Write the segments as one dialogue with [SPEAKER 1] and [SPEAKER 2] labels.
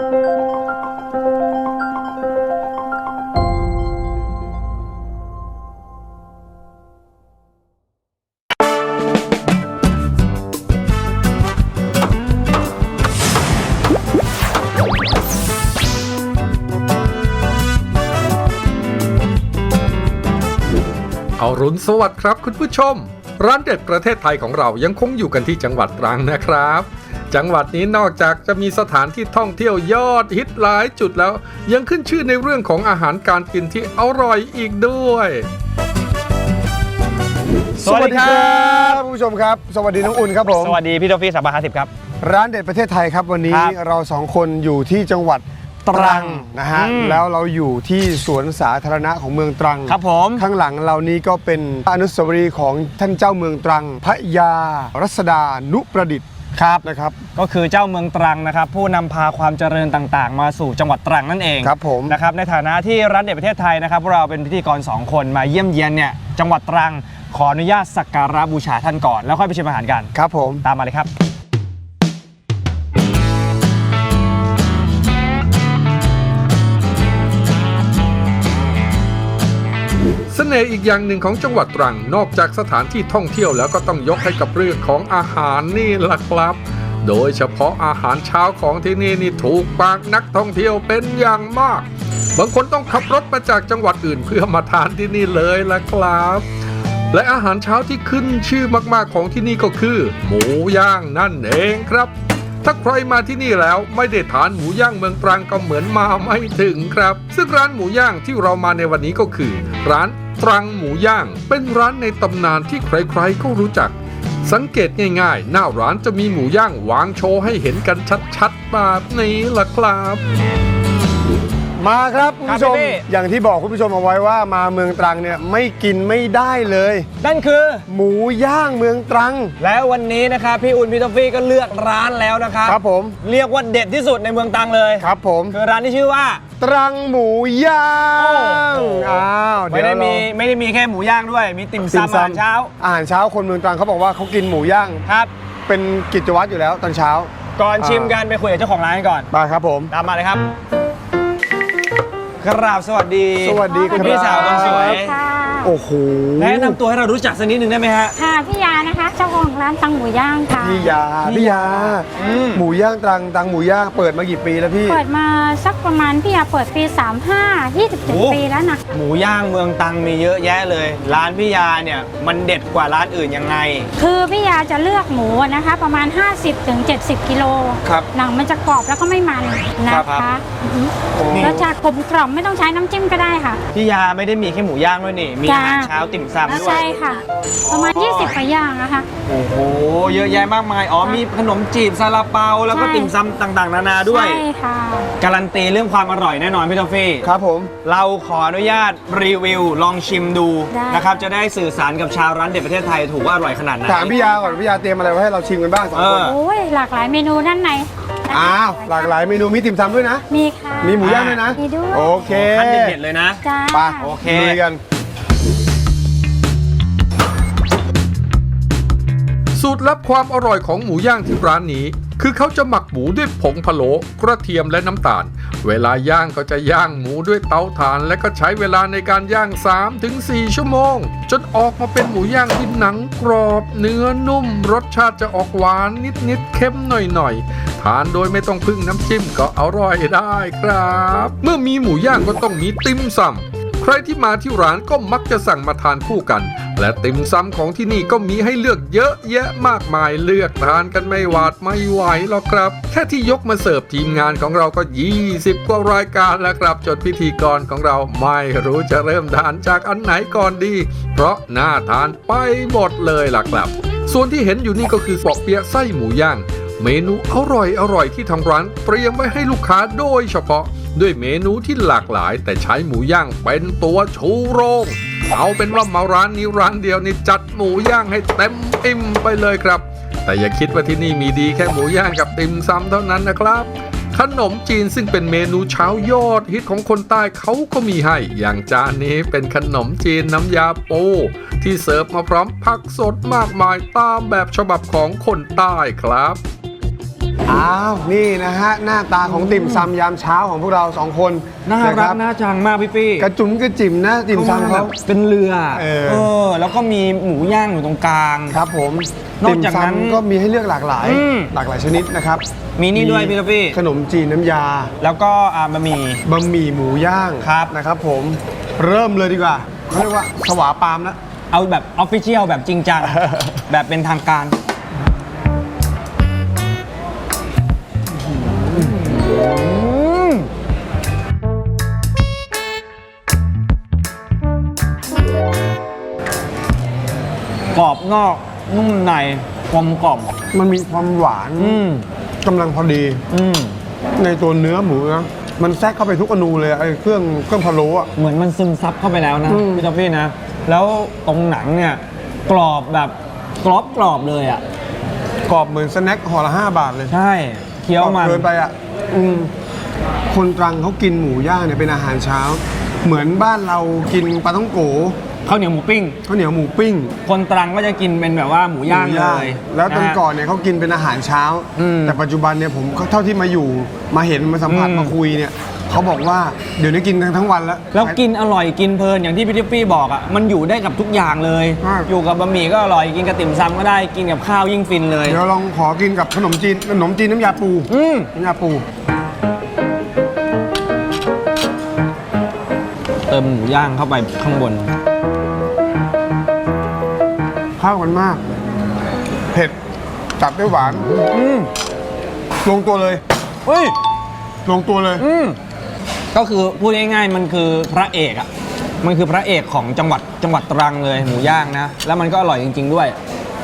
[SPEAKER 1] อรุณสวัสดิ์ครับคุณผู้ชมร้านเด็ดประเทศไทยของเรายังคงอยู่กันที่จังหวัดตรังนะครับจังหวัดนี้นอกจากจะมีสถานที่ท่องเที่ยวยอดฮิตหลายจุดแล้วยังขึ้นชื่อในเรื่องของอาหารการกินที่อร่อยอีกด้วย
[SPEAKER 2] สวัสดีครับผู้ชมครับสวัสดีน้องอุ่นครับผม
[SPEAKER 3] สวัสดีพี่โทฟี่350ครับ
[SPEAKER 2] ร้านเด็ดประเทศไทยครับวันนี้เราสองคนอยู่ที่จังหวัดตรังนะฮะแล้วเราอยู่ที่สวนสาธารณะของเมืองตรัง
[SPEAKER 3] ครับผม
[SPEAKER 2] ข้างหลังเรานี้ก็เป็นอนุสาวรีย์ของท่านเจ้าเมืองตรังพระยารัศดานุประดิษฐ์
[SPEAKER 3] ครับ
[SPEAKER 2] นะครับ
[SPEAKER 3] ก็คือเจ้าเมืองตรังนะครับผู้นำพาความเจริญต่างๆมาสู่จังหวัดตรังนั่นเอง
[SPEAKER 2] ครับผม
[SPEAKER 3] นะครับในฐานะที่ร้านเด็ดประเทศไทยนะครับเราเป็นพิธีกร2คนมาเยี่ยมเยียนเนี่ยจังหวัดตรังขออนุญาตสักการะบูชาท่านก่อนแล้วค่อยไปชิมอาหารกัน
[SPEAKER 2] ครับผม
[SPEAKER 3] ตามมาเลยครับ
[SPEAKER 1] เสน่ห์อีกอย่างหนึ่งของจังหวัดตรังนอกจากสถานที่ท่องเที่ยวแล้วก็ต้องยกให้กับเรื่องของอาหารนี่ล่ะครับโดยเฉพาะอาหารเช้าของที่นี่ถูกปากนักท่องเที่ยวเป็นอย่างมากบางคนต้องขับรถมาจากจังหวัดอื่นเพื่อมาทานที่นี่เลยล่ะครับและอาหารเช้าที่ขึ้นชื่อมากๆของที่นี่ก็คือหมูย่างนั่นเองครับถ้าใครมาที่นี่แล้วไม่ได้ทานหมูย่างเมืองตรังก็เหมือนมาไม่ถึงครับซึ่งร้านหมูย่างที่เรามาในวันนี้ก็คือร้านตรังหมูย่างเป็นร้านในตำนานที่ใครๆก็รู้จักสังเกตง่ายๆหน้าร้านจะมีหมูย่างวางโชว์ให้เห็นกันชัดๆแบบนี้ล่ะครับ
[SPEAKER 2] มาครับคุณผู้ชมอย่างที่บอกคุณผู้ชมเอาไว้ว่ามาเมืองตรังเนี่ยไม่กินไม่ได้เลย
[SPEAKER 3] นั่นคือ
[SPEAKER 2] หมูย่างเมืองตรัง
[SPEAKER 3] แล้ววันนี้นะครับพี่อุ่นพี่โทฟี่ก็เลือกร้านแล้วนะครับ
[SPEAKER 2] ครับผม
[SPEAKER 3] เรียกว่าเด็ดที่สุดในเมืองตรังเลย
[SPEAKER 2] ครับผม
[SPEAKER 3] คือร้านที่ชื่อว่า
[SPEAKER 2] ตรังหมูย่าง
[SPEAKER 3] ไม่ได้มีแค่หมูย่างด้วยมีติ่มซำอาหารเช้า
[SPEAKER 2] คนเมืองตรังเขาบอกว่าเขากินหมูย่าง
[SPEAKER 3] ครับ
[SPEAKER 2] เป็นกิจวัตรอยู่แล้วตอนเช้า
[SPEAKER 3] ก่อนชิมกันไปคุยกับเจ้าของร้านกันก่อน
[SPEAKER 2] มาครับผม
[SPEAKER 3] ตามมาเลยครับกราบสวัสดี
[SPEAKER 2] ครับ
[SPEAKER 3] พี่สาวคนสวย
[SPEAKER 2] โอ้โห
[SPEAKER 3] แนะนำตัวให้เรารู้จักสักนิดหนึ่งได้ไหมฮะ
[SPEAKER 4] ค่ะพี่ยานะคะเจ้าของร้านตังหมูย่างค่ะ
[SPEAKER 2] พี่ยาหมูย่างตังหมูย่างเปิดมากี่ปีแล้วพี่
[SPEAKER 4] เปิดมาสักประมาณพี่ยาเปิดปี35 27ปีแล้วนะ
[SPEAKER 3] หมูย่างเมืองตรังมีเยอะแยะเลยร้านพี่ยาเนี่ยมันเด็ดกว่าร้านอื่นยังไง
[SPEAKER 4] คือพี่ยาจะเลือกหมูนะคะประมาณ50-70 กิโลหนังมันจะกรอบแล้วก็ไม่มันนะคะรสชาติกลมกล่อมไม่ต้องใช้น้ำจิ้มก็ได้ค่ะ
[SPEAKER 3] พี่ยาไม่ได้มีแค่หมูย่างด้วยนี่มีอาหารเช้าติ่มซำด้วย
[SPEAKER 4] ใช่ค่ะประมาณ20กว่าอย่างนะคะ
[SPEAKER 3] โอ้โหเยอะแยะมากมายมีขนมจีบซาลาเปาแล้วก็ติ่มซำต่างๆนานาด้วย
[SPEAKER 4] ใช่ค่ะ
[SPEAKER 3] การันตีเรื่องความอร่อยแน่นอนพี่โทฟี่
[SPEAKER 2] ครับผม
[SPEAKER 3] เราขออนุญาตรีวิวลองชิมดูนะครับจะได้สื่อสารกับชาวร้านเด็ดประเทศไทยถูกว่าอร่อยขนาดไหน
[SPEAKER 2] ถามพี่ยาก่อนพี่ยาเตรียมอะไรไว้ให้เราชิมกันบ้าง2 คน
[SPEAKER 4] โอ้ยหลากหลายเมนูด้านใน
[SPEAKER 2] หลากหลายเมนูมีติ่มซำด้วยนะ
[SPEAKER 4] มีค่ะ
[SPEAKER 2] มีหมูย่างด้วยนะ
[SPEAKER 4] มีด้วย
[SPEAKER 2] โอเค
[SPEAKER 3] ขั้นเด็ดเลยนะ
[SPEAKER 2] ไปโอเคลุยกัน
[SPEAKER 1] สูตรลับความอร่อยของหมูย่างที่ร้านนี้คือเขาจะหมักหมูด้วยผงพะโล้กระเทียมและน้ำตาลเวลาย่างก็จะย่างหมูด้วยเตาถ่านและก็ใช้เวลาในการย่าง 3-4 ชั่วโมงจนออกมาเป็นหมูย่างที่หนังกรอบเนื้อนุ่มรสชาติจะออกหวานนิดๆเค็มหน่อยๆทานโดยไม่ต้องพึ่งน้ำจิ้มก็อร่อยได้ครับเมื่อมีหมูย่างก็ต้องมีติ่มซำใครที่มาที่ร้านก็มักจะสั่งมาทานคู่กันและติ่มซำของที่นี่ก็มีให้เลือกเยอะแยะมากมายเลือกทานกันไม่หวาดไม่ไหวหรอกครับแค่ที่ยกมาเสิร์ฟทีมงานของเราก็20 กว่ารายการแล้วครับจนพิธีกรของเราไม่รู้จะเริ่มทานจากอันไหนก่อนดีเพราะน่าทานไปหมดเลยล่ะครับส่วนที่เห็นอยู่นี่ก็คือปอกเปี๊ยะไส้หมูย่างเมนูอร่อยที่ทางร้านเตรียมไว้ให้ลูกค้าโดยเฉพาะด้วยเมนูที่หลากหลายแต่ใช้หมูย่างเป็นตัวชูโรงเอาเป็นว่ามาร้านนี้ร้านเดียวนี่จัดหมูย่างให้เต็มอิ่มไปเลยครับแต่อย่าคิดว่าที่นี่มีดีแค่หมูย่างกับติ่มซำเท่านั้นนะครับขนมจีนซึ่งเป็นเมนูเช้ายอดฮิตของคนใต้เขาก็มีให้อย่างจานนี้เป็นขนมจีนน้ำยาปูที่เสิร์ฟมาพร้อมผักสดมากมายตามแบบฉบับของคนใต้ครับ
[SPEAKER 2] อ้าวนี่นะฮะหน้าตาของติ่มซำยามเช้าของพวกเรา2 คน
[SPEAKER 3] น่า
[SPEAKER 2] ะค
[SPEAKER 3] รับ กน่าชังมากพี่ปี้
[SPEAKER 2] กระจุ๋มกระจิ๋มนะติ่มซำเขา
[SPEAKER 3] เป็นเรือ แล้วก็มีหมูย่างอยู่ตรงกลาง
[SPEAKER 2] ครับผม
[SPEAKER 3] นอกจากนั้น
[SPEAKER 2] ติ่มซำก็มีให้เลือกหลากหลาย หลากหลายชนิดนะครับ
[SPEAKER 3] มีนี่ด้วยพี่ท็อฟฟี่
[SPEAKER 2] ขนมจีนน้ำยา
[SPEAKER 3] แล้วก็บะหมี่
[SPEAKER 2] บะหมี่หมูย่าง
[SPEAKER 3] ครับ
[SPEAKER 2] นะครับผมเริ่มเลยดีกว่าเขาเรียกว่าสวาปามนะ
[SPEAKER 3] เอาแบบออฟฟิเชียลแบบจริงจัง แบบเป็นทางการกรอบนอกนุ่มในกลมกล่อม
[SPEAKER 2] มันมีความหวานกำลังพอดี ในตัวเนื้อหมูนะมันแทรกเข้าไปทุกอนูเลยไอ้เครื่องพะโล้อะ
[SPEAKER 3] เหมือนมันซึมซับเข้าไปแล้วนะพี่ท็อฟฟี่นะ แล้วตรงหนังเนี่ยกรอบแบบกรอบเลยอ่ะ
[SPEAKER 2] กรอบเหมือนสแน็คห่อละ5 บาทเลย
[SPEAKER 3] ใช่เคี้ยวมัน
[SPEAKER 2] เกินไปอ่ะคนตรังเขากินหมูย่างเนี่ยเป็นอาหารเช้า เหมือนบ้านเรากินปลาท่องโก
[SPEAKER 3] ข้าวเหนียวหมูปิ้ง
[SPEAKER 2] ข้าวเหนียวหมูปิ้ง
[SPEAKER 3] คนตรังก็จะกินเป็นแบบว่าหมูย่างเลย
[SPEAKER 2] แล้วตอน
[SPEAKER 3] นะฮะ
[SPEAKER 2] ก่อนเนี่ยเขากินเป็นอาหารเช้า แต่ปัจจุบันเนี่ยผมเท่าที่มาอยู่มาเห็นมาสัมผัสมาคุยเนี่ยเขาบอกว่าเดี๋ยวนี้กินทั้งวันแล้ว
[SPEAKER 3] แล้วกินอร่อยกินเพลินอย่างที่พี่ทิฟฟี่บอกอ่ะมันอยู่ได้กับทุกอย่างเลย
[SPEAKER 2] ใช่
[SPEAKER 3] อยู่กับบะหมี่ก็อร่อยกินกับติ่มซำก็ได้กินกับข้าวยิ่งฟินเลย
[SPEAKER 2] เดี๋ยวลองขอกินกับขนมจีนน้ำยาปูน้ำยาปู
[SPEAKER 3] เติมหมูย่างเข้าไปข้างบน
[SPEAKER 2] เข้ากันมาก เผ็ดจัดด้วยหวานลงตัวเลย
[SPEAKER 3] เฮ้ย
[SPEAKER 2] ลงตัวเลย
[SPEAKER 3] ก็คือพูดง่ายๆมันคือพระเอกอ่ะมันคือพระเอกของจังหวัดตรังเลยหมูย่างนะ แล้วมันก็อร่อยจริงๆด้วย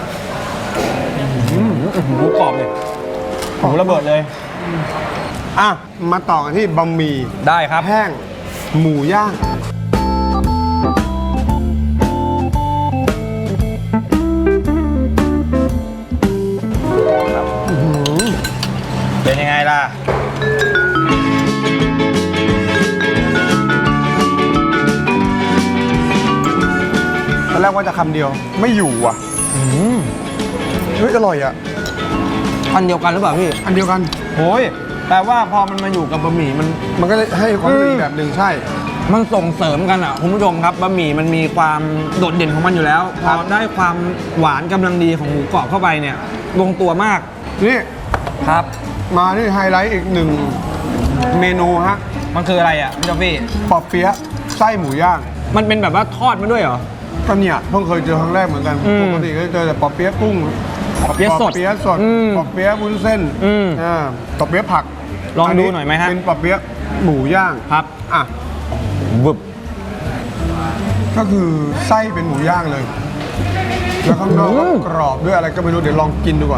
[SPEAKER 3] หมูกรอบเลยหมูระเบิดเลย
[SPEAKER 2] อ่ะมาต่อกันที่บะหมี่
[SPEAKER 3] ได้ครับ
[SPEAKER 2] แห้งหมูย่าง
[SPEAKER 3] เป็นยังไงล่ะ
[SPEAKER 2] ตอนแรกว่าจะคำเดียวไม่อยู่อ่ะเฮ้ยอร่อยอ่ะ
[SPEAKER 3] อันเดียวกันหรือเปล่าพี่
[SPEAKER 2] อันเดียวกัน
[SPEAKER 3] โอ้ยแต่ว่าพอมันมาอยู่กับบะหมี่
[SPEAKER 2] มันก็เลยให้ความรู้สึกอีกแบบหนึ่งใช่
[SPEAKER 3] มันส่งเสริมกันอ่ะคุณผู้ชมครับบะหมี่มันมีความโดดเด่นของมันอยู่แล้ว พ
[SPEAKER 2] ครั
[SPEAKER 3] อบ ได้ความหวานกำลังดีของหมูกรอบเข้าไปเนี่ยลงตัวมาก
[SPEAKER 2] นี่
[SPEAKER 3] ครับ
[SPEAKER 2] มาที่ไฮไลท์อีกหนึ่งเมนูฮะ
[SPEAKER 3] มันคืออะไรอ่ะพี่จอฟฟี่
[SPEAKER 2] ปอเปี๊ยะไส้หมูย่าง
[SPEAKER 3] มันเป็นแบบว่าทอดมาด้วยเหรอ
[SPEAKER 2] ก็เนี่ยเพิ่งเคยเจอครั้งแรกเหมือนกัน ปกติก็เจอแต่ปอเปี๊ยะกุ้ง
[SPEAKER 3] ปอเปี๊ยะสด
[SPEAKER 2] ปอเปี๊ยะสด
[SPEAKER 3] อืม
[SPEAKER 2] ปอเปี๊ยะวุ้นเส้น ปอเปี๊ยะผัก
[SPEAKER 3] ลองดูหน่อยไหมฮะ
[SPEAKER 2] เป็นปอเปี๊ยะหมูย่าง
[SPEAKER 3] ครับ
[SPEAKER 2] อ่ะ
[SPEAKER 3] บึบ
[SPEAKER 2] ก็คือไส้เป็นหมูย่างเลย แล้วข้างนอกก็กรอบด้วยอะไรก็ไม่รู้เดี๋ยวลองกินดูก่อน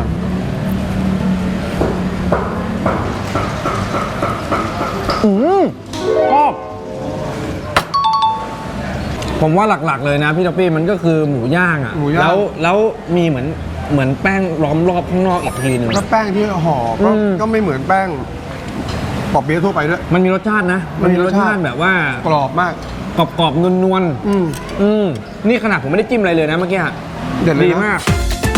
[SPEAKER 3] ชอบผมว่าหลักๆเลยนะพี่ท็อปปี้มันก็คือหมูย่างอ่ะ
[SPEAKER 2] หมูย่าง
[SPEAKER 3] แล้วมีเหมือนแป้งล้อมรอบข้างนอกอีกทีหนึ่ง
[SPEAKER 2] แล้วแป้งที่ห่อก็ไม่เหมือนแป้งปอเปี๊ยะทั่วไปด้วย
[SPEAKER 3] มันมีรสชาตินะ
[SPEAKER 2] มันมีรสชาติ
[SPEAKER 3] แบบว่าก
[SPEAKER 2] รอบมาก
[SPEAKER 3] กรอบๆนวล นี่ขนาดผมไม่ได้จิ้มอะไรเลยนะเมื่อกี้อะ
[SPEAKER 2] เด็ดเลยนะ
[SPEAKER 3] ดีมาก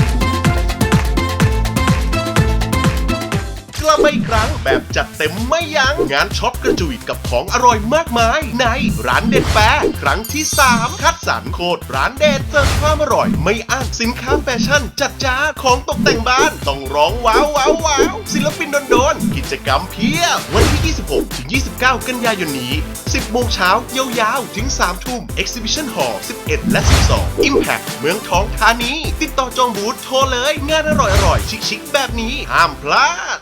[SPEAKER 5] กลับมาอีกครั้งแบบจัดเต็มไม่ยัง้งงานช็อปกระจุยกับของอร่อยมากมาย ในร้านเด็ดแฟร์ครั้งที่ 3 คัดสรรโคตรร้านเด็ดเสิร์ฟความอร่อยไม่อ้างสินค้าแฟชั่นจัดจ้านของตกแต่งบ้านต้องร้องว้าวว้าวว้าวศิลปินโดนๆกิจกรรมเพียบวันที่ 26 ถึง 29 กันยายนนี้ 10 โมงเช้ายาวๆ ถึง 3 ทุ่ม Exhibition Hall 11 และ 12 Impact เมืองทองธานีติดต่อจองบูธโทรเลยงานอร่อยๆชิคๆแบบนี้ห้ามพลาด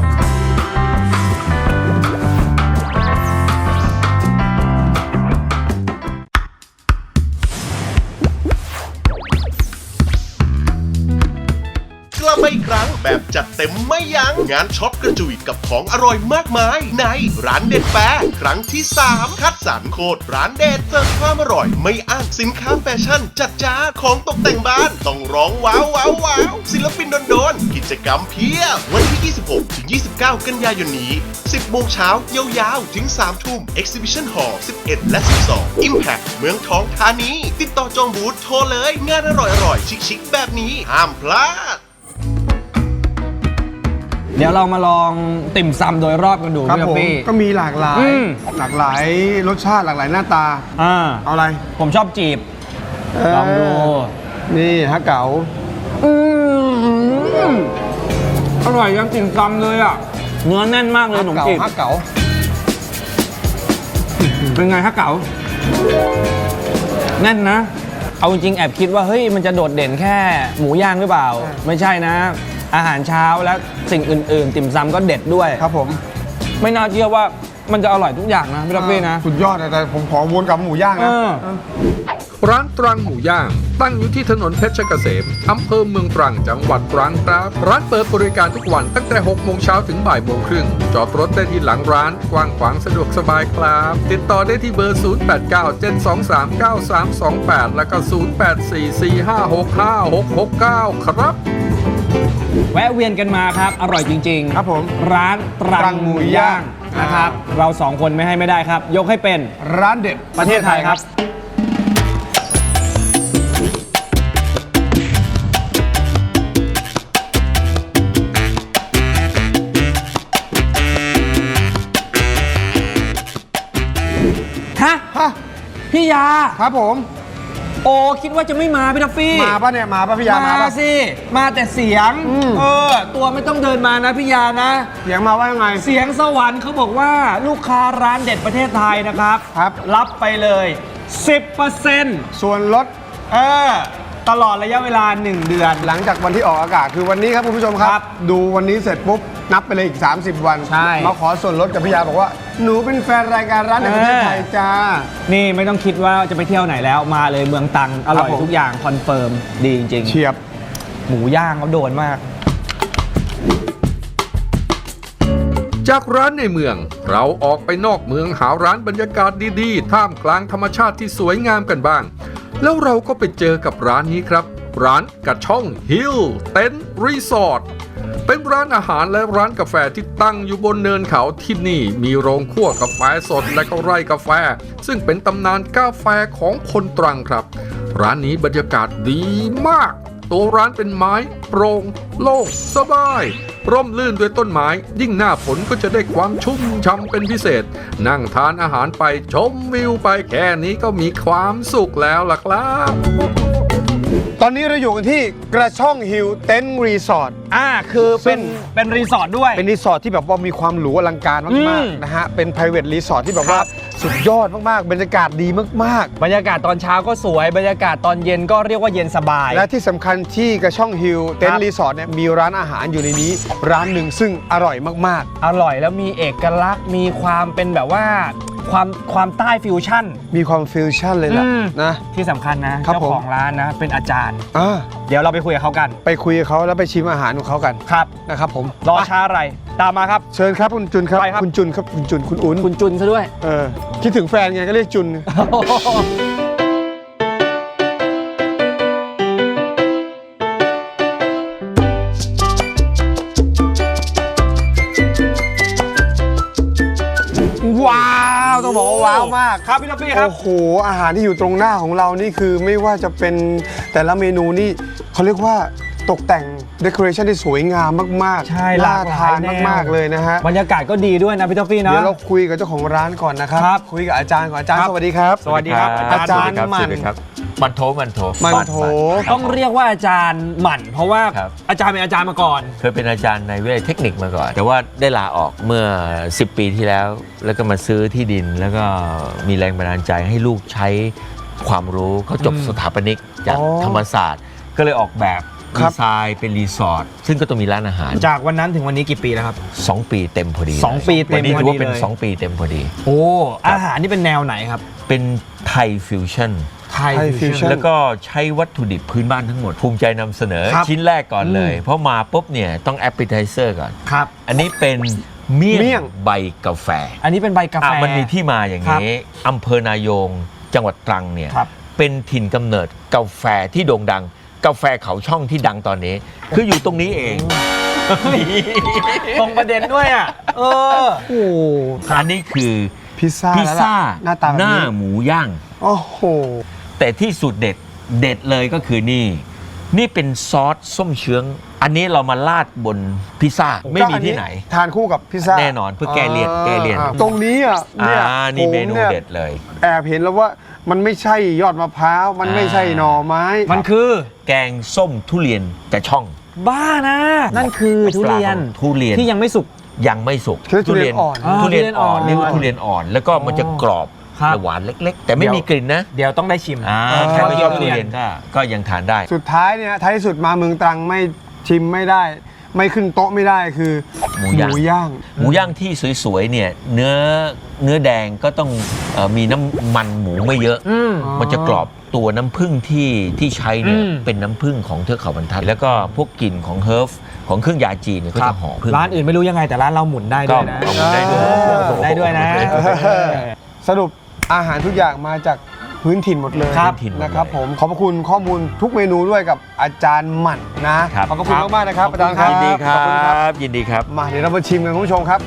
[SPEAKER 5] กลับมาอีกครั้งแบบจัดเต็มไม่ยัง้งงานช็อปกระจุยกับของอร่อยมากมาย ในร้านเด็ดแฟร์ครั้งที่ 3 คัดสรรโคตรร้านเด็ดเสิร์ฟความอร่อยไม่อ้างสินค้าแฟชั่นจัดจ้านของตกแต่งบ้านต้องร้องว้าวว้าวว้าวศิลปินโดนๆกิจกรรมเพียบวันที่ 26 ถึง 29 กันยายนนี้ 10 โมงเช้ายาวๆ ถึง 3 ทุ่ม Exhibition Hall 11 และ 12 Impact เมืองทองธานีติดต่อจองบูธโทรเลยงานอร่อยๆชิคๆแบบนี้ห้ามพลาด
[SPEAKER 3] เดี๋ยวเรามาลองติ่มซำโดยรอบกันดู
[SPEAKER 2] ครับ
[SPEAKER 3] พี่
[SPEAKER 2] ผม
[SPEAKER 3] ปี้
[SPEAKER 2] ก็มีหลากหลาย หลากหลายรสชาติหลากหลายหน้าตา เอาอะไร
[SPEAKER 3] ผมชอบจีบ ลองดู
[SPEAKER 2] นี่ฮะเก๋า
[SPEAKER 3] อร่อยยังติ่มซำเลยอ่ะ เนื้อแน่นมากเลยขนมจีบ
[SPEAKER 2] ฮะเก๋า
[SPEAKER 3] เป็นไงฮะเก๋าแน่นนะ เอาจริงๆแอบคิดว่าเฮ้ยมันจะโดดเด่นแค่หมูย่างหรือเปล่า ไม่ใช่นะ อาหารเช้าและสิ่งอื่นๆ ติ่มซำก็เด็ดด้วย
[SPEAKER 2] ครับผม
[SPEAKER 3] ไม่น่าเชื่อว่ามันจะอร่อยทุกอย่างนะพี่ท็อปปี้นะ
[SPEAKER 2] สุดยอดนะแต่ผมขอวนกับหมูย่างนะ
[SPEAKER 1] ร้านตรังหมูย่าง ตั้งอยู่ที่ถนนเพชรเกษมอำเภอเมืองตรังจังหวัดตรังครับ ร้านเปิดบริการทุกวันตั้งแต่ 6 โมงเช้าถึงบ่ายโมงครึ่งจอดรถได้ที่หลังร้านกว้างขวางสะดวกสบายครับ ติดต่อได้ที่เบอร์ 0897239328 แล้วก็ 0844565669 ครับ
[SPEAKER 3] แวะเวียนกันมาครับ อร่อยจริงๆ
[SPEAKER 2] ครับผม
[SPEAKER 3] ร้านตรังหมูย่างนะครับ เราสองคนไม่ให้ไม่ได้ครับ ยกให้เป็น
[SPEAKER 2] ร้านเด็ด
[SPEAKER 3] ประเทศไทยครับ ฮะ
[SPEAKER 2] ฮะ
[SPEAKER 3] พี่ยา
[SPEAKER 2] ครับผม
[SPEAKER 3] โอ้คิดว่าจะไม่มาพี่ทัฟฟี่
[SPEAKER 2] มาป่ะเนี่ย มาป่ะพี่ยา มาป่ะ
[SPEAKER 3] สิ มาแต่เสียง ตัวไม่ต้องเดินมานะพี่ยานะ
[SPEAKER 2] เสียงมาว่ายังไง
[SPEAKER 3] เสียงสวรรค์เขาบอกว่าลูกค้าร้านเด็ดประเทศไทยนะครับ
[SPEAKER 2] ครับ
[SPEAKER 3] รับไปเลย 10%
[SPEAKER 2] ส่วนลด
[SPEAKER 3] ตลอดระยะเวลา 1 เดือน
[SPEAKER 2] หลังจากวันที่ออกอากาศคือวันนี้ครับคุณผู้ชมค
[SPEAKER 3] ครั
[SPEAKER 2] รับ
[SPEAKER 3] บ
[SPEAKER 2] ดูวันนี้เสร็จปุ๊บ นับไปเลยอีก 30 วัน
[SPEAKER 3] ใช่
[SPEAKER 2] มาขอส่วนลดกับพี่ยาบอกว่า หนูเป็นแฟนรายการร้านในประเทศไทยจ้า
[SPEAKER 3] นี่ไม่ต้องคิดว่าจะไปเที่ยวไหนแล้วมาเลยเมืองตรังอร่อย
[SPEAKER 2] ครับผม
[SPEAKER 3] ทุกอย่างคอนเฟิร์มดีจริง
[SPEAKER 2] เฉียบ
[SPEAKER 3] ๆ หมูย่างเขาโดนมาก
[SPEAKER 1] จากร้านในเมือง เราออกไปนอกเมืองหาร้านบรรยากาศดีๆ ท่ามกลางธรรมชาติที่สวยงามกันบ้าง แล้วเราก็ไปเจอกับร้านนี้ครับ ร้านกระช่องฮิลเต็นท์รีสอร์ทเป็นร้านอาหารและร้านกาแฟที่ตั้งอยู่บนเนินเขาที่นี่มีโรงคั่วกาแฟสดและก็ไร่กาแฟ ซึ่งเป็นตำนานกาแฟของคนตรังครับ ร้านนี้บรรยากาศดีมาก ตัวร้านเป็นไม้โปร่งโล่งสบาย ร่มรื่นด้วยต้นไม้ ยิ่งหน้าฝนก็จะได้ความชุ่มช่ำเป็นพิเศษ นั่งทานอาหารไปชมวิวไปแค่นี้ก็มีความสุขแล้วล่ะครับ
[SPEAKER 2] ตอนนี้เราอยู่กันที่กระช่องฮิลเต็นท์รีสอร์ท
[SPEAKER 3] คือเป็นรีสอร์ทด้วย
[SPEAKER 2] เป็นรีสอร์ทที่แบบว่ามีความหรูอลังการมากๆนะฮะ เป็น private resort ที่แบบว่าสุดยอดมากๆ บรรยากาศดีมาก
[SPEAKER 3] บรรยากาศตอนเช้าก็สวย บรรยากาศตอนเย็นก็เรียกว่าเย็นสบาย
[SPEAKER 2] ๆ และที่สำคัญที่กระช่องฮิลเต็นท์รีสอร์ทเนี่ยมีร้านอาหารอยู่ในนี้ ร้านหนึ่งซึ่งอร่อยมาก
[SPEAKER 3] อร่อยแล้วมีเอกลักษณ์มีความเป็นแบบว่าความใต้ฟิวชั่น
[SPEAKER 2] ๆ มีความฟิวชั่นเลยล่ะนะ
[SPEAKER 3] ที่สำคัญนะครับ เจ้าของร้านนะเป็นอาจารย์
[SPEAKER 2] อ่า
[SPEAKER 3] เดี๋ยวเราไปคุยกับเขากัน
[SPEAKER 2] ไปคุยกับเขาแล้วไปชิมอาหารของเขากัน
[SPEAKER 3] ครับ
[SPEAKER 2] นะครับผม
[SPEAKER 3] รอช้าอะไร ตามมาครับ
[SPEAKER 2] เชิญครับคุณจุนครับ
[SPEAKER 3] ไปครับ
[SPEAKER 2] คุณจุนครับคุณจุนคุณอุ้น
[SPEAKER 3] คุณจุนซะด้วย
[SPEAKER 2] คิดถึงแฟนไงก็เรียกจุน ว้าวต้องบอกว่าว้าวมาก
[SPEAKER 3] ครับพี่ท็อปปี้ครับ
[SPEAKER 2] โอ้โหอาหารที่อยู่ตรงหน้าของเรานี่คือไม่ว่าจะเป็นแต่ละเมนูนี่เขาเรียกว่าตกแต่งเดคอเรชันที่สวยงามมากๆ
[SPEAKER 3] ใช่ห
[SPEAKER 2] น่า
[SPEAKER 3] ลากหลาย
[SPEAKER 2] ทาน
[SPEAKER 3] แนว
[SPEAKER 2] มากๆเลยนะฮะ
[SPEAKER 3] บรรยากาศก็ดีด้วยนะพี่ท็อปปี้นะ
[SPEAKER 2] เดี๋ยวเราคุยกับเจ้าของร้านก่อนนะครับ
[SPEAKER 3] ครับ
[SPEAKER 2] คุยกับอาจารย์ก่อนอาจารย์
[SPEAKER 3] ครับ
[SPEAKER 2] สวัสดีครับ
[SPEAKER 3] สวัสดีครับ
[SPEAKER 2] อาจารย์
[SPEAKER 6] สวัสดีครับ
[SPEAKER 2] หมั่น
[SPEAKER 6] สวัสดีครับมันโถ
[SPEAKER 2] มันโถ
[SPEAKER 3] ต้องเรียกว่าอาจารย์หมั่น เพราะว่า
[SPEAKER 6] ครับ
[SPEAKER 3] อาจารย์เป็นอาจารย์มาก่อน
[SPEAKER 6] เคยเป็นอาจารย์ในวิทยาลัยเทคนิคมาก่อน แต่ว่าได้ลาออกเมื่อ 10 ปีที่แล้ว แล้วก็มาซื้อที่ดิน แล้วก็มีแรงบันดาลใจให้ลูกใช้ความรู้เขาจบสถาปนิกจากธรรมศาสตร์ ก็เลยออกแบบดีไซน์เป็นรีสอร์ทซึ่งก็ต้องมีร้านอาหาร
[SPEAKER 3] จากวันนั้นถึงวันนี้กี่ปีแล้วครับ
[SPEAKER 6] 2 ปีเต็มพอดี
[SPEAKER 3] 2 ปีเต็ม
[SPEAKER 6] วันนี้ถือว่าเป็น
[SPEAKER 3] พอดีเลย
[SPEAKER 6] 2 ปีเต็มพอดี
[SPEAKER 3] โอ้อาหารนี่เป็นแนวไหนครับ
[SPEAKER 6] เป็นไทยฟิวชั่น
[SPEAKER 3] ไทย
[SPEAKER 2] ฟิวชั่น
[SPEAKER 6] แล้วก็ใช้วัตถุดิบพื้นบ้านทั้งหมด ภูมิใจนำเสนอ
[SPEAKER 3] ครับ
[SPEAKER 6] ชิ้นแรกก่อนเลย เพราะมาปุ๊บเนี่ยต้องแอปเป i ไทเซอร์ก่อน
[SPEAKER 3] ครับ
[SPEAKER 6] อันนี้เป็นเมี่
[SPEAKER 2] เมี่
[SPEAKER 6] ย
[SPEAKER 2] ย
[SPEAKER 6] ง
[SPEAKER 2] ง
[SPEAKER 6] ใบกาแฟ
[SPEAKER 3] อันนี้เป็นใบกาแฟ
[SPEAKER 6] มันมีที่มาอย่างนี้อำเภอนายงจังหวัดตรังเนี่ย
[SPEAKER 3] ครับ
[SPEAKER 6] เป็นถิ่นกำเนิดกาแฟที่โด่งดัง กาแฟเขาช่องที่ดังตอนนี้ คืออยู่ตรงนี้เอง
[SPEAKER 3] ตรงประเด็นด้วยอ่ะ
[SPEAKER 2] โอ้โห
[SPEAKER 6] อันนี้คือ
[SPEAKER 2] พิซซ่า
[SPEAKER 6] พิซซ่า
[SPEAKER 2] แล้วล่ะหน้าตาแบบ
[SPEAKER 6] หน้า
[SPEAKER 2] นี้
[SPEAKER 6] หมูย่าง
[SPEAKER 2] โอ้โห
[SPEAKER 6] แต่ที่สุดเด็ดเลยก็คือนี่เป็นซอสส้มเชื้องอันนี้เรามาราดบนพิซซ่าไม่มีที่ไหน
[SPEAKER 2] ทานคู่กับพิซซ่า
[SPEAKER 6] แน่นอนเพื่อแก้เลี่ยนแก้เลี่ยน
[SPEAKER 2] ตรงนี้อ่ะเนี่ย
[SPEAKER 6] นี่เมนู
[SPEAKER 2] ผย
[SPEAKER 6] เด็ดเลย
[SPEAKER 2] แอบเห็นแล้วว่ามันไม่ใช่ยอดมะพร้าวมันไม่ใช่หน่อไม้
[SPEAKER 3] มันคือ
[SPEAKER 6] แกงส้มทุเรียนกระช่อง
[SPEAKER 3] บ้านะ นั่นคือทุเรียน
[SPEAKER 6] ทุเรียน
[SPEAKER 3] ที่ยังไม่สุก
[SPEAKER 6] ยังไม่สุก
[SPEAKER 2] คือทุเรียนอ่อน
[SPEAKER 6] ทุเรียนอ่อน
[SPEAKER 3] ทุเรียนอ่อน
[SPEAKER 6] เรียกว่าทุเรียนอ่อน แล้วก็มันจะกรอบ
[SPEAKER 3] ครับ
[SPEAKER 6] และหวานเล็ก ๆ แต่ไม่มีกลิ่นนะ
[SPEAKER 3] เดี๋ยวต้องได้ชิม
[SPEAKER 6] แค่ไม่ชอบทุเรียนก็ยังทานได้
[SPEAKER 2] สุดท้ายเนี่ยท้ายที่สุดมาเมืองตรังไม่ชิมไม่ได้ ไม่ขึ้นโต๊ะไม่ได้คือ
[SPEAKER 6] หมูย่าง หมูย่างที่สวยๆเนี่ยเนื้อแดงก็ต้องมีน้ำมันหมูไม่เยอะ มันจะกรอบตัวน้ำผึ้งที่ใช้เนี่ยเป็นน้ำผึ้งของเทือกเขาบรรทัดแล้วก็พวกกลิ่นของเฮิร์ฟของเครื่องยาจีนเนี่ยก็จะหอมผึ้ง
[SPEAKER 3] ร้านอื่นไม่รู้ยังไงแต่ร้านเราหมุนได้ด้วยนะ
[SPEAKER 6] ก็หมุนได้ด้วย
[SPEAKER 3] หมุนได้ด้วยนะ
[SPEAKER 2] สรุปอาหารทุกอย่างมาจากพื้นถิ่นหมดเลย
[SPEAKER 6] ครับถิ่นหมดเลย
[SPEAKER 2] นะครับผมขอบพระคุณข้อมูลทุกเมนูด้วยกับอาจารย์หมั่นนะครับ ขอบพระคุณมากๆนะครับอาจารย์ครับ
[SPEAKER 6] ยินดีครั
[SPEAKER 2] ขอบคุณครับ
[SPEAKER 6] ยินดีครับ
[SPEAKER 2] มาเดี๋ยวเรามาชิมกันคุณผู้ชมครับ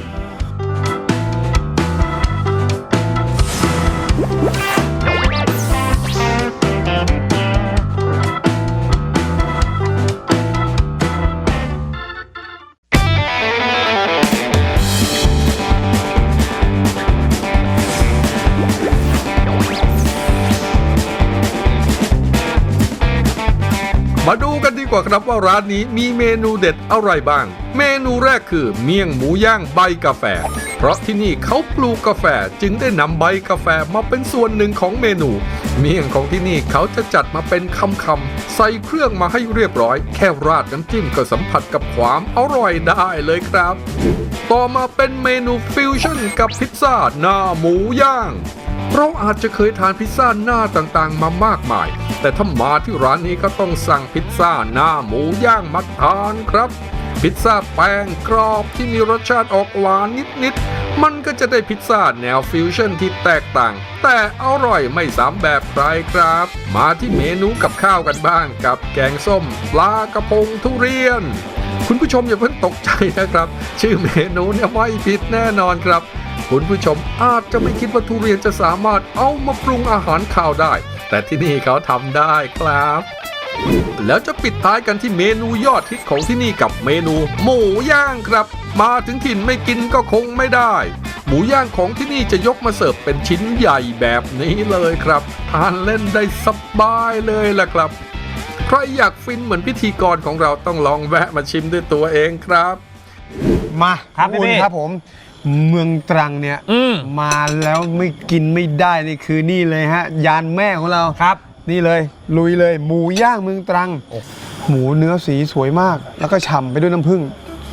[SPEAKER 1] มาดูกันดีกว่าครับว่าร้านนี้มีเมนูเด็ดอะไรบ้าง เมนูแรกคือเมี่ยงหมูย่างใบกาแฟ เพราะที่นี่เขาปลูกกาแฟจึงได้นำใบกาแฟมาเป็นส่วนหนึ่งของเมนู เมี่ยงของที่นี่เขาจะจัดมาเป็นคำๆใส่เครื่องมาให้เรียบร้อย แค่ราดน้ำจิ้มก็สัมผัสกับความอร่อยได้เลยครับ ต่อมาเป็นเมนูฟิวชั่นกับพิซซ่าหน้าหมูย่าง เราอาจจะเคยทานพิซซ่าหน้าต่างๆ มามากมาย แต่ถ้ามาที่ร้านนี้ก็ต้องสั่งพิซซ่าหน้าหมูย่างมาทานครับ พิซซ่าแป้งกรอบที่มีรสชาติออกหวานนิดๆ มันก็จะได้พิซซ่าแนวฟิวชั่นที่แตกต่าง แต่อร่อยไม่ซ้ำแบบใครครับ มาที่เมนูกับข้าวกันบ้างกับแกงส้มปลากระพงทุเรียน คุณผู้ชมอย่าเพิ่งตกใจนะครับ ชื่อเมนูเนี่ยไม่ผิดแน่นอนครับ คุณผู้ชมอาจจะไม่คิดว่าทุเรียนจะสามารถเอามาปรุงอาหารข้าวได้ แต่ที่นี่เขาทำได้ครับ แล้วจะปิดท้ายกันที่เมนูยอดฮิตของที่นี่กับเมนูหมูย่างครับ มาถึงถิ่นไม่กินก็คงไม่ได้ หมูย่างของที่นี่จะยกมาเสิร์ฟเป็นชิ้นใหญ่แบบนี้เลยครับทานเล่นได้สบายเลยล่ะครับ ใครอยากฟินเหมือนพิธีกรของเราต้องลองแวะมาชิมด้วยตัวเองครับ
[SPEAKER 2] มา
[SPEAKER 3] ครับ
[SPEAKER 2] ขอณ
[SPEAKER 3] พี่
[SPEAKER 2] ครับผม เมืองตรังเนี่ย มาแล้วไม่กินไม่ได้นี่คือนี่เลยฮะยานแม่ของเรา
[SPEAKER 3] ครับ
[SPEAKER 2] นี่เลยลุยเลยหมูย่างเมืองตรัง หมูเนื้อสีสวยมาก แล้วก็ฉ่ำไปด้วยน้ำผึ้ง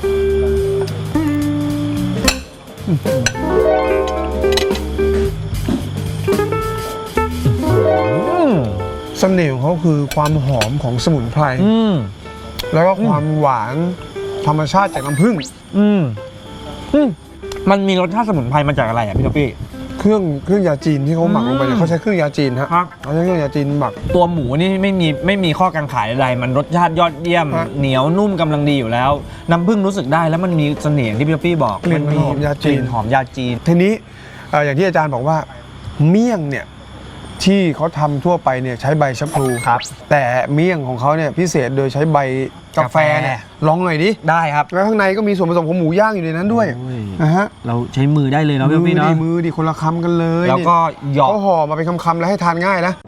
[SPEAKER 2] เสน่ห์ของเขาคือความหอมของสมุนไพร แล้วก็ความหวานธรรมชาติจากน้ำผึ้ง
[SPEAKER 3] มันมีรสชาติสมุนไพรมาจากอะไรอ่ะพี่ท็อปปี้
[SPEAKER 2] เครื่องยาจีนที่เขาหมักลงไปเนี่ยเขาใช้เครื่องยาจีนฮะ
[SPEAKER 3] ครับ
[SPEAKER 2] เขาใช้เครื่องยาจีนหมัก
[SPEAKER 3] ตัวหมูนี่ไม่มีข้อกังขาใดๆมันรสชาติยอดเยี่ยม
[SPEAKER 2] ฮะ
[SPEAKER 3] เหนียวนุ่มกำลังดีอยู่แล้ว น้ำผึ้งรู้สึกได้แล้วมันมีเสน่ห์ที่พี่ท็อปปี้บอก
[SPEAKER 2] กลิ่นมันหอมยาจีน
[SPEAKER 3] กลิ่นหอมยาจีน
[SPEAKER 2] ทีนี้อย่างที่อาจารย์บอกว่าเมี่ยงเนี่ยที่เขาทำทั่วไปเนี่ยใช้ใบชะพลู
[SPEAKER 3] ครับ
[SPEAKER 2] แต่เมี่ยงของเขาเนี่ยพิเศษโดยใช้ใบกาแฟเนี่ยลองหน่อยดิ
[SPEAKER 3] ได้ครับ
[SPEAKER 2] แล้วข้างในก็มีส่วนผสมของหมูย่างอยู่ในนั้นด้วย
[SPEAKER 3] โอ้ย
[SPEAKER 2] นะฮะ
[SPEAKER 3] เราใช้มือได้เลยเนาะพี่ท็อปปี้เนาะ
[SPEAKER 2] มือดิคนละคำกันเลย
[SPEAKER 3] แล้วก็หยอก
[SPEAKER 2] เขาห่อมาเป็นคำๆแล้วให้ทานง่ายนะ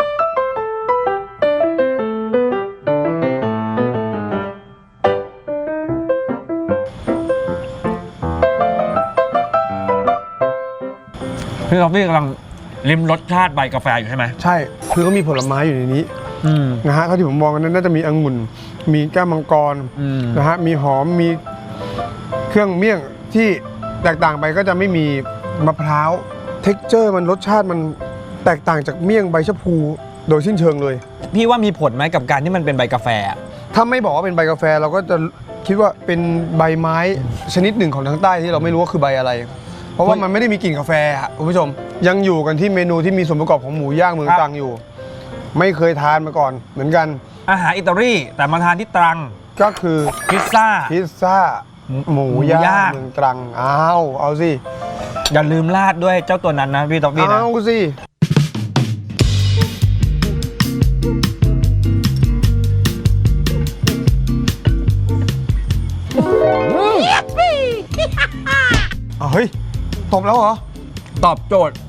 [SPEAKER 3] พี่ท็อปปี้กำลังริมรสชาติใบกาแฟอยู่ใช่ไหม
[SPEAKER 2] ใช่คือเขามีผลไม้อยู่ในนี้นะฮะเท่าที่ผมมองกันนั้นน่าจะมีองุ่นมีแก้วมังกร นะฮะมีหอมมีเครื่องเมี่ยงที่แตกต่างไปก็จะไม่มีมะพร้าวเท็กเจอร์มันรสชาติมันแตกต่างจากเมี่ยงใบชะพูโดยสิ้นเชิงเลย
[SPEAKER 3] พี่ว่ามีผลไหมกับการที่มันเป็นใบกาแฟอะ
[SPEAKER 2] ถ้าไม่บอกว่าเป็นใบกาแฟเราก็จะคิดว่าเป็นใบไม้ชนิดหนึ่งของทางใต้ที่เราไม่รู้ว่าคือใบอะไร เพราะว่ามันไม่ได้มีกลิ่นกาแฟอะคุณผู้ชมยังอยู่กันที่เมนูที่มีส่วนประกอบของหมูย่างเมืองตรังอยู่ ไม่เคยทานมาก่อนเหมือนกัน
[SPEAKER 3] อาหารอิตาลีแต่มาทานที่ตรัง
[SPEAKER 2] ก็คือ
[SPEAKER 3] พิซซ่า
[SPEAKER 2] พิซซ่าหมูย่างเมืองตรังเอาสิ
[SPEAKER 3] อย่าลืมราดด้วยเจ้าตัวนั้นนะพี่ท็อปปี้นะ
[SPEAKER 2] เอาสิเฮ้ยตบแล้วเหรอ
[SPEAKER 3] ตอบโจทย์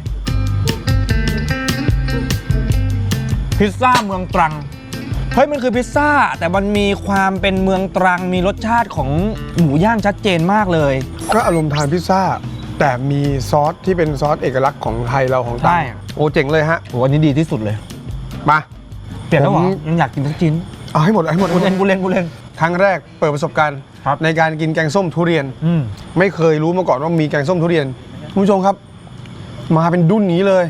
[SPEAKER 3] พิซซ่าเมืองตรัง เฮ้ยมันคือพิซซ่าแต่มันมีความเป็นเมืองตรังมีรสชาติของหมูย่างชัดเจนมากเลย
[SPEAKER 2] ก็อารมณ์ทานพิซซ่าแต่มีซอสที่เป็นซอสเอกลักษณ์ของไทยเราของตรั
[SPEAKER 3] ใช่
[SPEAKER 2] งโอ้เจ๋งเลยฮะ
[SPEAKER 3] โหอันนี้ดีที่สุดเลย
[SPEAKER 2] มา
[SPEAKER 3] เปลี่ยนแล้วเหรอ
[SPEAKER 2] ผม
[SPEAKER 3] ยังอยากกินทั้งชิ้น
[SPEAKER 2] เอาให้หมดเอาให้หมด
[SPEAKER 3] กูเล่น
[SPEAKER 2] ครั้งแรกเปิดประสบการณ์
[SPEAKER 3] ครับ
[SPEAKER 2] ในการกินแกงส้มทุเรียน
[SPEAKER 3] อืม
[SPEAKER 2] ไม่เคยรู้มาก่อนว่ามีแกงส้มทุเรียนคุณผู้ชมครับ มาเป็นดุ้นนี้เลย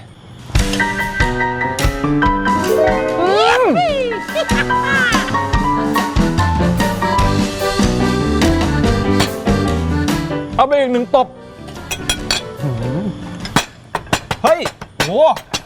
[SPEAKER 3] เอาไปอีกหนึ่งตบเฮ้ยโห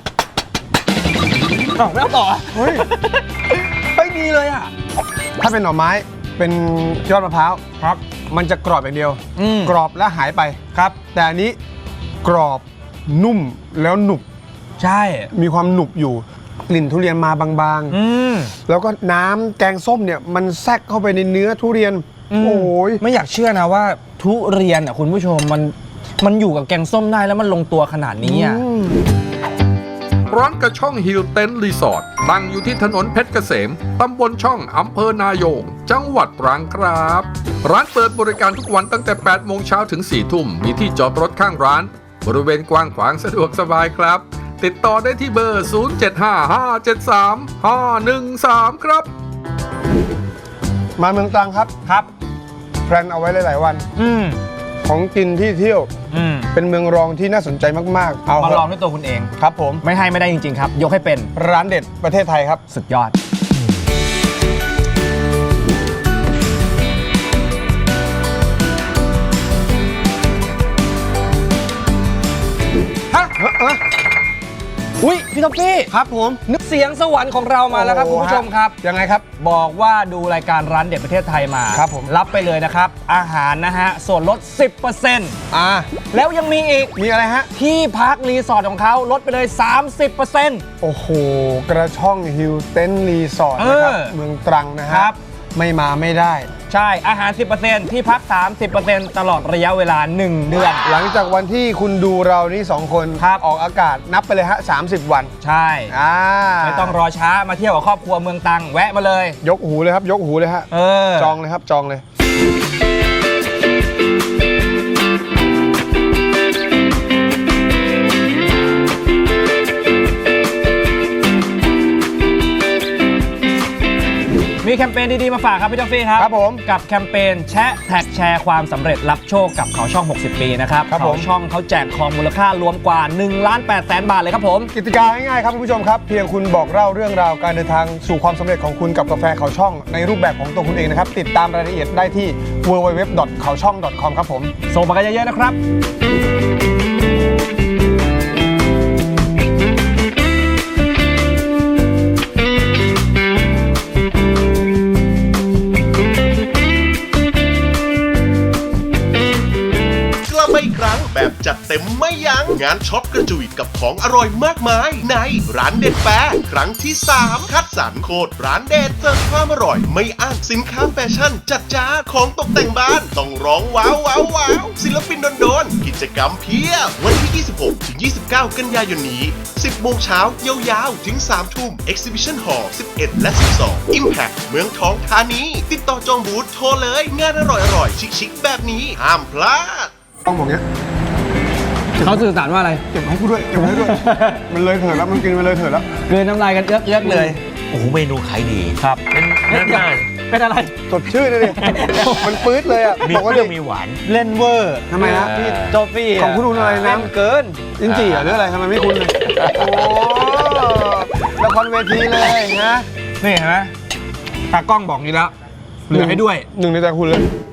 [SPEAKER 3] อ้าวไม่เอาต่ออ่ะ
[SPEAKER 2] เฮ้ย
[SPEAKER 3] เฮ้ยดีเลยอ่ะ
[SPEAKER 2] ถ้าเป็นหน่อไม้เป็นยอดมะพร้าว
[SPEAKER 3] ครับ
[SPEAKER 2] มันจะกรอบอย่างเดียว
[SPEAKER 3] อืม
[SPEAKER 2] กรอบแล้วหายไปครับ แต่อันนี้กรอบนุ่มแล้วหนุบ
[SPEAKER 3] ใช่
[SPEAKER 2] มีความหนุบอยู่กลิ่นทุเรียนมาบาง
[SPEAKER 3] อืม
[SPEAKER 2] ๆ แล้วก็น้ำแกงส้มเนี่ยมันแทรกเข้าไปในเนื้อทุเรียน โอ้ย
[SPEAKER 3] ไม่อยากเชื่อนะว่าทุเรียนอ่ะคุณผู้ชมมันอยู่กับแกงส้มได้แล้วมันลงตัวขนาดนี้อ่ะ
[SPEAKER 1] ร้านกระช่องฮิลเต็นรีสอร์ทตั้งอยู่ที่ถนนเพชรเกษม ตำบลช่องอำเภอนายง จังหวัดตรังครับ ร้านเปิดบริการทุกวันตั้งแต่ 8 โมงเช้าถึง 4 ทุ่ม มีที่จอดรถข้างร้าน บริเวณกว้างขวางสะดวกสบายครับ ติดต่อได้ที่เบอร์ 0755735513 ครับ
[SPEAKER 2] มาเมืองตรังครับ
[SPEAKER 3] ครับ
[SPEAKER 2] แพลนเอาไว้หลายๆวัน
[SPEAKER 3] อืม
[SPEAKER 2] ของกินที่เที่ยว
[SPEAKER 3] อืม
[SPEAKER 2] เป็นเมืองรองที่น่าสนใจมากๆ เอา
[SPEAKER 3] มา
[SPEAKER 2] เถ
[SPEAKER 3] ลอง
[SPEAKER 2] อะ
[SPEAKER 3] ด้วยตัวคุณเอง
[SPEAKER 2] ครับผม
[SPEAKER 3] ไม่ให้ไม่ได้จริง ๆ ครับ ยกให้เป็น
[SPEAKER 2] ร้านเด็ดประเทศไทยครับ
[SPEAKER 3] สุดยอด ฮะ อุ้ยพี่ท็อฟฟี่
[SPEAKER 2] ครับผม
[SPEAKER 3] นึกเสียงสวรรค์ของเรามาแล้วครับ
[SPEAKER 2] โอ้
[SPEAKER 3] คุณ
[SPEAKER 2] โห
[SPEAKER 3] ผู้ชมครับ
[SPEAKER 2] ยังไงครับ
[SPEAKER 3] บอกว่าดูรายการร้านเด็ดประเทศไทยมา
[SPEAKER 2] ครับผม
[SPEAKER 3] รับไปเลยนะครับ อาหารนะฮะ ส่วนลด 10% แล้วยังมีอีก
[SPEAKER 2] มีอะไรฮะ
[SPEAKER 3] ที่พักรีสอร์ทของเขาลดไปเลย 30%
[SPEAKER 2] โอ้โห กระช่องฮิลเต็นรีสอร์ทนะครับ เมืองตรังนะฮะ
[SPEAKER 3] ครับ
[SPEAKER 2] ไม่มาไม่ได้
[SPEAKER 3] ใช่ อาหาร 10%ที่พัก 30% ตลอดระยะเวลา 1 เดือน
[SPEAKER 2] หลังจากวันที่คุณดูเรานี่2 คน
[SPEAKER 3] ครับ
[SPEAKER 2] ออกอากาศนับไปเลยฮะ 30 วัน
[SPEAKER 3] ใช่ ไม่ต้องรอช้ามาเที่ยวกับครอบครัวเมืองตรังแวะมาเลย
[SPEAKER 2] ยกหูเลยครับ ยกหูเลยฮะ จองเลยครับ จองเลย
[SPEAKER 3] มีแคมเปญดีๆมาฝากครับพี่ทอฟฟี่ครับ
[SPEAKER 2] ครับผม
[SPEAKER 3] กับแคมเปญแชะแท็กแชร์ความสำเร็จรับโชคกับเขาช่อง 60 ปีนะครับ
[SPEAKER 2] ครับผม
[SPEAKER 3] เขาช่องเขาแจกทองมูลค่ารวมกว่า 1,800,000 บาทเลยครับผม
[SPEAKER 2] กติกาง่ายๆครับคุณผู้ชมครับ เพียงคุณบอกเล่าเรื่องราวการเดินทางสู่ความสำเร็จของคุณกับกาแฟเขาช่องในรูปแบบของตัวคุณเองนะครับ ติดตามรายละเอียดได้ที่ www.kaochong.com ครับผม
[SPEAKER 3] ส่งมากันเยอะๆนะครับ
[SPEAKER 5] กลับมาอีกครั้งแบบจัดเต็มไม่ยั้งงานช็อปกระจุยกับของอร่อยมากมายในร้านเด็ดแปะครั้งที่ 3 คัดสรรโคตรร้านเด็ดเสิร์ฟความอร่อยไม่อ้างสินค้าแฟชั่นจัดจ้านของตกแต่งบ้านต้องร้องว้าวว้าวว้าวศิลปินโดนๆกิจกรรมเพียบวันที่ 26 ถึง 29 กันยายนนี้ 10 โมงเช้ายาวๆ ถึง 3 ทุ่ม Exhibition Hall 11 และ 12 Impact เมืองทองธานี ติดต่อจองบูธโทรเลย งานอร่อยๆ ชิคๆแบบนี้ห้ามพลาด
[SPEAKER 2] ต้องบอกเนี้ย
[SPEAKER 3] เขาสื่อสารว่าอะไร
[SPEAKER 2] เก็บให้กูด้วยเก็บให้ด้วย มันเลยเถิดแล้วมันกินมันเลยเถิดแล้ว
[SPEAKER 3] เกินน้ำลายกันเอื้อกๆเลย
[SPEAKER 6] โอ้โหเมนูขายดี
[SPEAKER 3] ครับ
[SPEAKER 6] เป็นน่า
[SPEAKER 3] เป็นอะไร
[SPEAKER 2] สดชื่นเลยดิ มันปื๊ดเลยอ่ะ
[SPEAKER 6] มี
[SPEAKER 2] บอก
[SPEAKER 6] เป
[SPEAKER 2] ว่า
[SPEAKER 6] รี้
[SPEAKER 2] ดิ
[SPEAKER 6] ยวมีหวาน
[SPEAKER 3] เล่นเวอร์
[SPEAKER 2] ทำไมฮะพี่
[SPEAKER 3] โจฟี่
[SPEAKER 2] ของคุณดูอะไรนะ
[SPEAKER 3] เล่นเกิน
[SPEAKER 2] ลิ้นจี่เหรอหรืออะไรทำไมไม่คุ้นเลย โอ้ละครเวทีเลยนะ
[SPEAKER 3] นี่เห็นไหมตากล้องบอกนี้แล้วเหลือให้ด้วย
[SPEAKER 2] หนึ่งในใจคุณเลย